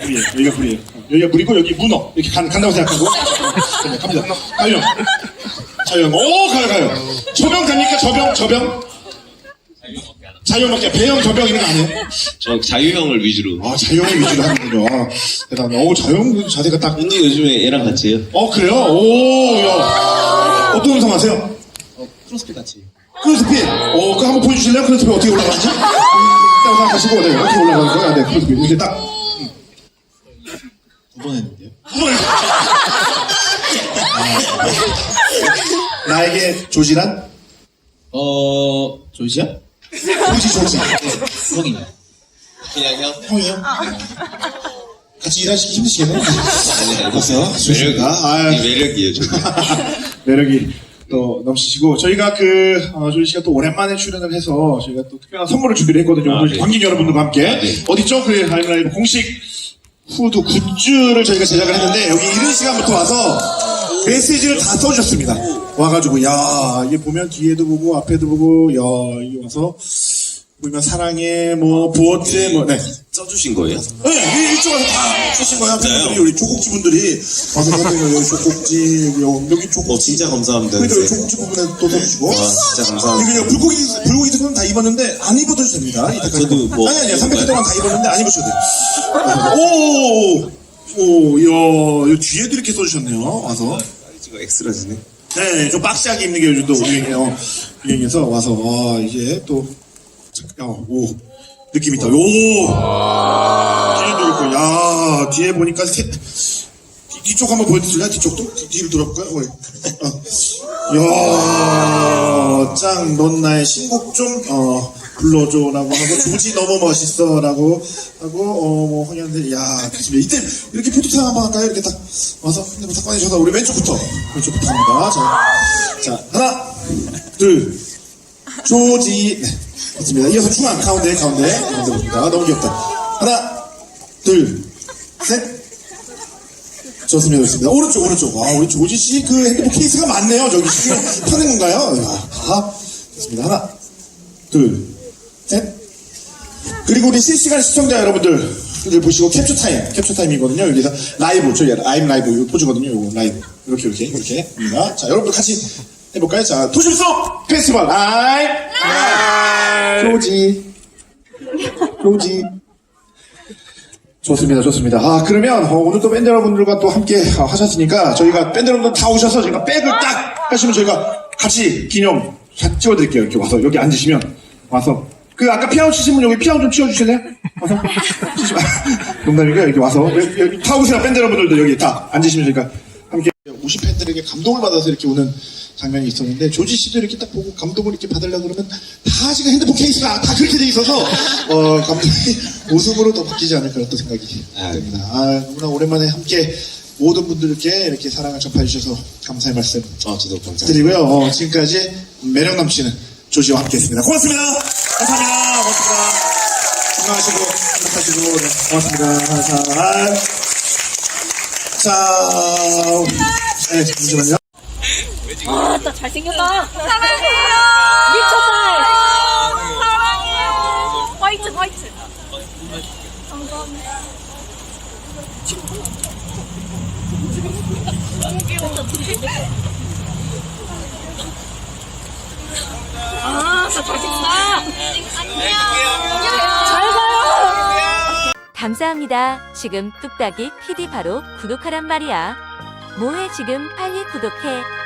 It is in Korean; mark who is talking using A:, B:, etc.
A: 불이에요. 여기가 불이에요. 여기가 물이고 여기 문어. 이렇게 간다고 생각하고. 네, 갑니다. 가요. 자영. 오, 가요. 저병 됩니까? 저병. 자유형밖에 배영, 저병 이런 거 아니에요?
B: 저 자유형을 위주로.
A: 아, 자유형을 위주로 하는군요. 아, 대단해. 오, 자유형 자세가 딱.
B: 근데 요즘에 얘랑 같이 해요.
A: 그래요? 오, 야. 어떤 운동 하세요?
B: 크로스핏 같이.
A: 크로스핏. 그거 한번 보여주실래요? 크로스핏 어떻게 올라가는지? 일단 생각하시고, 네, 어떻게 올라가는 거야? 네, 크로스핏. 이렇게 딱.
B: 두 번 했는데요.
A: 나에게 조지란?
B: 조지야?
A: 조지.
B: 형이요. 그냥 형?
A: 형이요? 같이 일하시기 힘드시겠네요?
B: 아니,
A: 봤어요? 조지가.
B: 매력이에요, 저기.
A: 매력이 또 넘치시고, 저희가 조지 씨가 또 오랜만에 출연을 해서 저희가 또 특별한 선물을 준비를 했거든요. 오늘
B: 네.
A: 관객 여러분들과 함께.
B: 네.
A: 어딨죠? 그 라이브 공식 후드 굿즈를 저희가 제작을 했는데, 여기 이른 시간부터 와서 메시지를 다 써주셨습니다. 와가지고, 야, 이게 보면 뒤에도 보고, 앞에도 보고, 야, 이게 와서, 보면 사랑해, 부어째, 네.
B: 써주신 거예요?
A: 네, 이쪽 와서 다 쓰신 거야. 팬분들이, 우리 조국지 분들이 와서 선생님, 여기 조국지, 여기 조국지.
B: 진짜 감사합니다.
A: 그러니까 여기 조국지 부분에 또 써주시고.
B: 와, 진짜 감사합니다.
A: 이거 불고기 특은 다 입었는데, 안 입어도 됩니다.
B: 저도
A: 아니, 300회 동안 다 입었는데, 안 입으셔도 돼요. 야, 뒤에도 이렇게 써주셨네요. 와서.
B: 이거 엑스라지네.
A: 네, 좀 박시하게 입는 게 요즘 또 유행해서 와서, 이제 또, 느낌 있다. 뒤에도 있고, 야, 뒤에 보니까 뒤쪽 한번 보여드릴까요? 뒤쪽도? 뒤로 돌아볼까요? 야, 짱, 넌 나의 신곡 좀, 불러줘라고 하고, 조지 너무 멋있어라고 하고, 황현들, 야, 좋습니다. 이때 이렇게 포토타임 한번 할까요? 이렇게 딱 와서 핸드폰 딱 꺼내셔서, 우리 왼쪽부터 갑니다. 자, 하나, 둘, 조지, 네, 좋습니다. 이어서 중앙, 가운데 봅니다. 너무 귀엽다. 하나, 둘, 셋. 좋습니다. 오른쪽. 우리 조지 씨 그 핸드폰 케이스가 많네요. 저기 파는 건가요? 좋습니다. 하나, 둘, 셋. 그리고 우리 실시간 시청자 여러분들 보시고 캡처 타임이거든요. 여기서 라이브, 저희 아임 라이브 이거 포즈거든요. 이거 라이브. 이렇게입니다. 자, 여러분들 같이 해볼까요? 자, 도심송 페스티벌 아임 조지. 좋습니다. 그러면 오늘 또 밴드 여러분들과 또 함께 하셨으니까 저희가 밴드 여러분들 다 오셔서 저희가 백을 딱 하시면 저희가 같이 기념 찍어드릴게요. 이렇게 와서 여기 앉으시면 와서 아까 피아노 치신 분 여기 피아노 좀 치워주실래요? 와서 농담이고요. 여기 와서 여기 다 오세요. 밴드 여러분들도 여기 다 앉으시면 저희가 함께 우시 팬들에게 감동을 받아서 이렇게 오는 장면이 있었는데 조지 씨도 이렇게 딱 보고 감동을 이렇게 받으려고 그러면 다 지금 핸드폰 케이스가 다 그렇게 돼 있어서 감동이 웃음으로 더 바뀌지 않을까 또 생각이 듭니다. 너무나 오랜만에 함께 모든 분들께 이렇게 사랑을 전파해 주셔서 감사의 말씀
B: 저도 감사합니다.
A: 드리고요. 지금까지 매력 넘치는 조지와 함께했습니다. 고맙습니다. 감사합니다. 건강하시고 행복하시고 네, 고맙습니다. 감사합니다. 자, 네, 잠시만요.
C: 나 잘생겼다. 사랑해요. 미쳤다. 사랑해요. 화이트. 감사합니다. 나 잘생겼다. 안녕. 잘 가요.
D: 감사합니다. 지금 뚝딱이 PD 바로 구독하란 말이야. 뭐해 지금 빨리 구독해.